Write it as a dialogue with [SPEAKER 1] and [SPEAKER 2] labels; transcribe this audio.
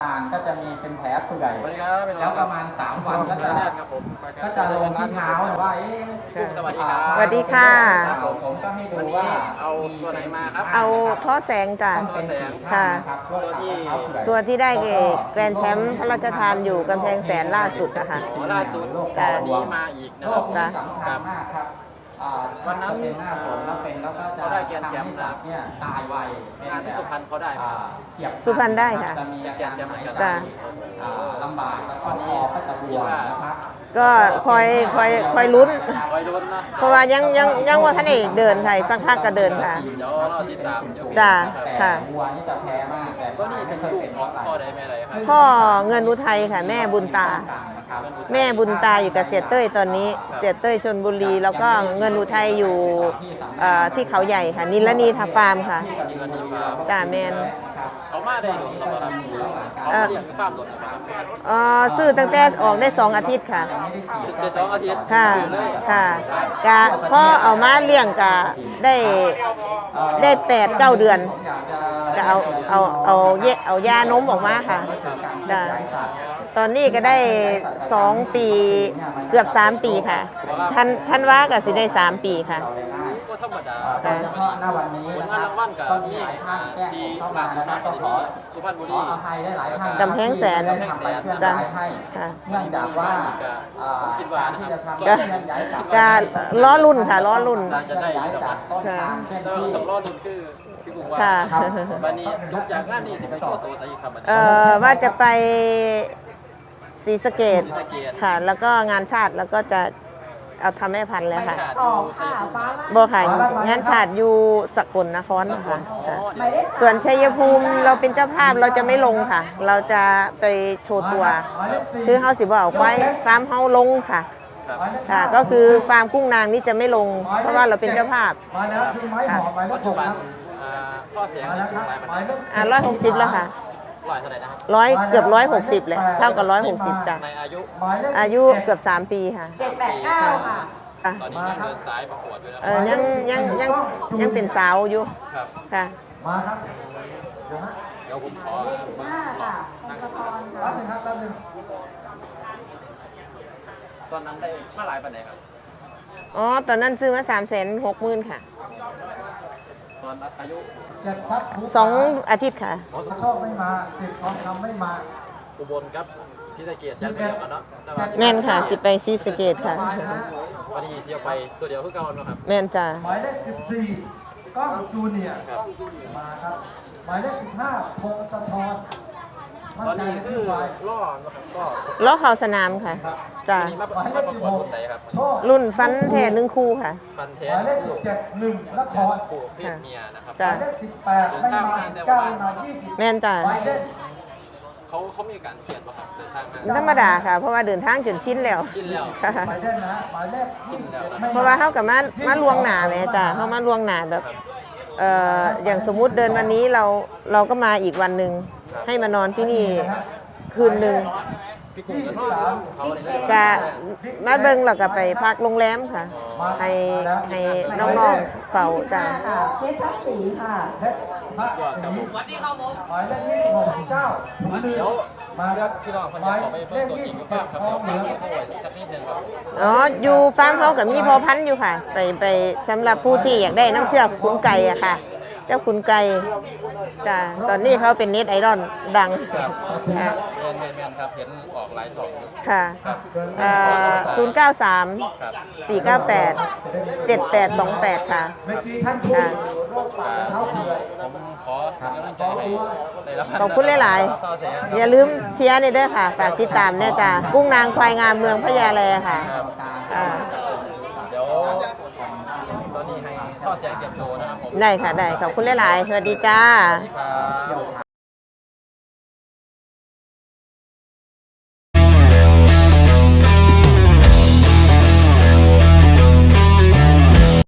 [SPEAKER 1] ก็จะมีเป็นแผลเปื่อยแล้วประมาณ3 วันก็จะลงที่เท้าว่า
[SPEAKER 2] สวัสดีครับ
[SPEAKER 3] สวัสดีค่ะ
[SPEAKER 1] ผมก็ให้ดูว่า
[SPEAKER 2] เอาตัวไหนมาครับ
[SPEAKER 3] เอาท่อแสงจ้ะค่ะตัวที่ได้แกรนด์แชมป์พระราชทานอยู่กำแพงแสนล่าสุดนะคะ
[SPEAKER 2] ล่าสุดแต่นี้มาอีกนะครับ
[SPEAKER 1] จ้ะสำคัญมากครับวันนั้นเป็นหน้าฝนแล้วเป็นแล้วก็จะ
[SPEAKER 2] เขาได้แกรนด์แชมป์นะ
[SPEAKER 1] เนี่ยตายไว
[SPEAKER 2] งานที่สุพรรณเขาได้ไหม
[SPEAKER 3] สุพรรณได้ค่ะ
[SPEAKER 1] จะมีอาการ
[SPEAKER 3] จ้ะ
[SPEAKER 1] ลำบากแล้วก็คอก็จะบวมนะครับ
[SPEAKER 3] ก็คอยลุ้นเพราะว่ายังว่าท่านเอกเดินค่ะสักพักก็เดินค่ะ
[SPEAKER 2] เดี๋ยวเราติดตาม
[SPEAKER 3] จ้ะค่ะ
[SPEAKER 1] วัวนี่จะแพ้มากแต่
[SPEAKER 2] ก็นี่เป็นลูกของพ่อใดแม่ใดครับ
[SPEAKER 3] พ่อเงินอุทัยค่ะแม่บุญตาแม่บุญตาอยู่กับเสียเต้ยตอนนี้เสียเต้ยชลบุรีแล้วก็เงินอุทัยอยู่ที่เขาใหญ่ค่ะนิลนีทาฟาร์มค่ะจ้าแมน
[SPEAKER 2] เขามาได้หรือเปล่าเขาเรียกฟาร์มหรือเปล่า
[SPEAKER 3] ซื้อตั้งแต่ออกได้2 อาทิตย์ค่ะ
[SPEAKER 2] ได้2 อาทิตย์
[SPEAKER 3] ค่ะค่ะกะพอเอามาเลี้ยงกะได้8-9 เดือนก็เอายานมออกมาค่ะจ้าตอนนี้ก็ได้2 ปีเกือบ3 ปีค่ะท่านว่าก็สิได้3 ปีค่ะ
[SPEAKER 2] ก็ธรรมดา
[SPEAKER 1] โดยเฉพาะหน้าวันนี้นะครับก็มีหลายท่านแจ้งเข้ามานะครับก็ขออภัยได้หลายท่าน
[SPEAKER 3] กำแพงแสน
[SPEAKER 1] ทำไปเคลื่อนย้ายให้เนื่องจากว่าการที่จะทำเคลื่อนย้ายกลับ
[SPEAKER 3] ล้อรุ่นค่ะล้อรุ่น
[SPEAKER 1] จะได้ย้ายจากต้นทางเช่นที่
[SPEAKER 2] ล้อรุ่นคือ
[SPEAKER 3] ค่ะ
[SPEAKER 2] วันนี้ทุกอย่างงานนี้สิไปโชว์ตัวซะอีกครับ
[SPEAKER 3] ว่าจะไปศรีสะเกษค่ะแล้วก็งานชาติแล้วก็จะเอาทำแม่พันธุ์แล้วค่ะโบค่ะงานชาติอยู่สกลนครนะคะส่วนชัยภูมิเราเป็นเจ้าภาพเราจะไม่ลงค่ะ เราจะไปโชว์ตัวคือเฮาสิบ่เอาควายฟาร์มเฮาลงค่ะค่ะก็คือฟาร์มกุ้งนางนี่จะไม่ลงเพราะว่าเราเป็นเจ้าภาพ
[SPEAKER 1] มาแล้วคือไม้หอมไม้มะกรูดครับ
[SPEAKER 2] ข้อเสียง
[SPEAKER 3] 160แล้วค่ะเกือบ160เลยเท่ากับ160จ้ะอายุเกือบ3 ปีค่ะ
[SPEAKER 4] 7-8-9ค่ะ
[SPEAKER 2] ตอนนี้ยังเดินสายประกวดอยู่แล้ว
[SPEAKER 3] ยังเป็นสาวอยู่ค่ะ
[SPEAKER 1] มาครับ
[SPEAKER 2] เดี๋ยวผมขอ
[SPEAKER 4] เลข15ค่ะพงศธรค่ะ
[SPEAKER 1] รับหนึ่งครับรับหนึ่ง
[SPEAKER 2] ตอนนั้นได้มาหลายปันไหนครับ
[SPEAKER 3] ตอนนั้นซื้อมา360,000ค่ะ
[SPEAKER 2] ตอนอายุ
[SPEAKER 3] 2 อาทิตย์ค่ะ
[SPEAKER 1] โชคไม่มา10 ทองคำไม่มา
[SPEAKER 2] อุบลครับศรีสะเกษยันเดียวกันเนาะ
[SPEAKER 3] แม่นค่ะสิไปศรีสะเกษค่ะ
[SPEAKER 2] วันนี้เสียไปตัวเดียวคือเก่าเนาะครับ
[SPEAKER 3] แม่นจ้ะ
[SPEAKER 1] หมายเลข14ก้องจูเนียร์มาครับหมายเลข15พงศธร
[SPEAKER 2] ตอนนี้ชื่อล่อนะครับ
[SPEAKER 3] ล้อเข่าสนามค่ะจ้ะ
[SPEAKER 1] หมายเลข16
[SPEAKER 3] รุ่นฟันแท้1 คู่ค่ะ
[SPEAKER 2] ฟันแท้
[SPEAKER 1] หมายเลข17 1นคร
[SPEAKER 2] เพศเมียนะครับ
[SPEAKER 1] หมายเลข18ไม่มา9ไม่มา20
[SPEAKER 3] แม่นจ้ะ
[SPEAKER 2] เขามีการเขียนประสบเดินทาง
[SPEAKER 3] ธรรมดาค่ะเพราะว่าเดินทางจนชินแล้ว
[SPEAKER 1] หมายเลขนะหมายเลข
[SPEAKER 3] เพราะว่าเขากับมาลวงหนาแม่จ้ะเขามาลวงหนาแบบอย่างสมมุติเดินวันนี้เราก็มาอีกวันหนึ่งให้มานอนที่นี่คืนหนึ่งก็มาเบิ้งเราก็ไปพักโรงแรมค่ะให้น้องๆเฝ้าจ้ะ
[SPEAKER 4] เพชรพักศรีค่ะ
[SPEAKER 1] เพชรพักศรีหมายเลข26 ขุนเรือมาครับหมายเลข27ทองเหลือง
[SPEAKER 3] อยู่ฟาร์มเขากับมีพอพันธุ์อยู่ค่ะไปสำหรับผู้ที่อยากได้น้ำเชื่อขุนไก่อะค่ะเจ้าขุนไก่จ้ะตอนนี้เขาเป็นเน็ตไอดอลดัง
[SPEAKER 2] ค่ะครับเห็นออกไลน์2
[SPEAKER 3] ค่ะ093-498-7828ค่ะ
[SPEAKER 1] เมื่อกี้ท่านพูดโรคปากและเท้าเปื่อย
[SPEAKER 2] ผมขอกำลังใจให้ได้รับ
[SPEAKER 3] ขอบคุณหลายๆอย่าลืมเชียร์ในเด้อค่ะฝากติดตามเนี่ยจ้ะกุ้งนางควายงามเมืองพญาแลค่ะ
[SPEAKER 2] เดี๋ยวตอนนี้ให้ข้อเสียงเก็บโลนะครับผม
[SPEAKER 3] ได้ค่ะได้ขอบคุณหลายๆสวัสดีจ้า